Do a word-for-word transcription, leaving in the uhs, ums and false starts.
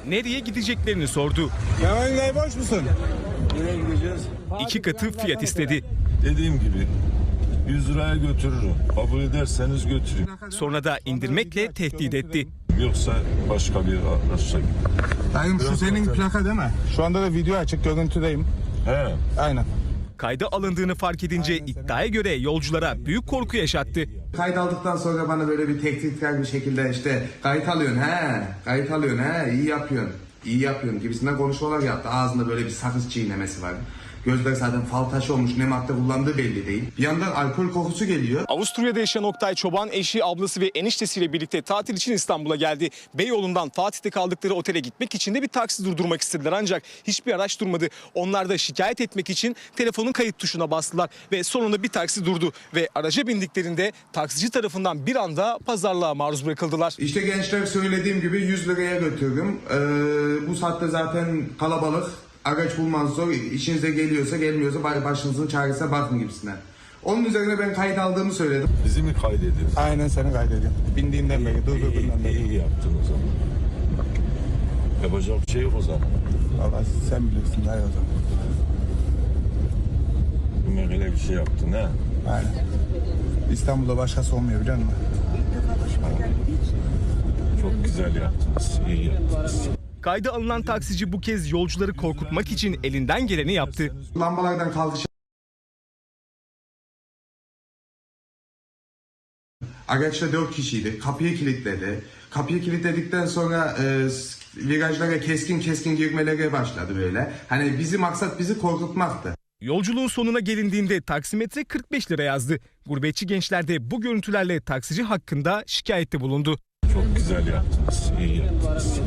nereye gideceklerini sordu. Mehmet Bey boş musun? Nereye gideceğiz? İki katı fiyat istedi. Dediğim gibi yüz liraya götürürüm. Kabul ederseniz götüreyim. Sonra da indirmekle tehdit etti. Yoksa başka bir araçla gideyim. Dayım şu senin plaka değil mi? Şu anda da video açık, görüntüdeyim. He. Aynen. Kayda alındığını fark edince iddiaya göre yolculara büyük korku yaşattı. Kayıt aldıktan sonra bana böyle bir tehditkar bir şekilde işte kayıt alıyorsun he, kayıt alıyorsun he, iyi yapıyorsun, iyi yapıyorsun gibisinden konuşmalar yaptı. Ağzında böyle bir sakız çiğnemesi var. Gözler zaten fal taşı olmuş, ne madde kullandığı belli değil. Bir yandan alkol kokusu geliyor. Avusturya'da yaşayan Oktay Çoban eşi, ablası ve eniştesiyle birlikte tatil için İstanbul'a geldi. Beyoğlu'ndan Fatih'te kaldıkları otele gitmek için de bir taksi durdurmak istediler ancak hiçbir araç durmadı. Onlar da şikayet etmek için telefonun kayıt tuşuna bastılar ve sonunda bir taksi durdu ve araca bindiklerinde taksici tarafından bir anda pazarlığa maruz bırakıldılar. İşte gençler söylediğim gibi yüz liraya götürdüm. Ee, bu saatte zaten kalabalık. Araç bulmanız zor. İşinize geliyorsa gelmiyorsa bari başınızın çaresine bakın gibisinden. Onun üzerine ben kayıt aldığımı söyledim. Bizi mi kaydediyorsun? Aynen seni kaydediyorum. Bindiğinden beri, durdurduğundan İyi, beri. iyi yaptın o zaman. Yapacak bir şey yok o zaman. Valla sen bilirsin dayı o zaman. Böyle bir şey yaptın ha. Aynen. İstanbul'da başkası olmuyor biliyor musun? Çok güzel yaptınız. İyi yaptınız. Kayda alınan taksici bu kez yolcuları korkutmak için elinden geleni yaptı. Lambalardan kalkış. Araçta dört kişiydi. Kapıyı kilitledi. Kapıyı kilitledikten sonra e, virajlara keskin keskin girmelere başladı böyle. Hani bizim maksat bizi korkutmaktı. Yolculuğun sonuna gelindiğinde taksimetre kırk beş lira yazdı. Gurbetçi gençler de bu görüntülerle taksici hakkında şikayette bulundu. Çok güzel yaptınız. İyi yaptınız.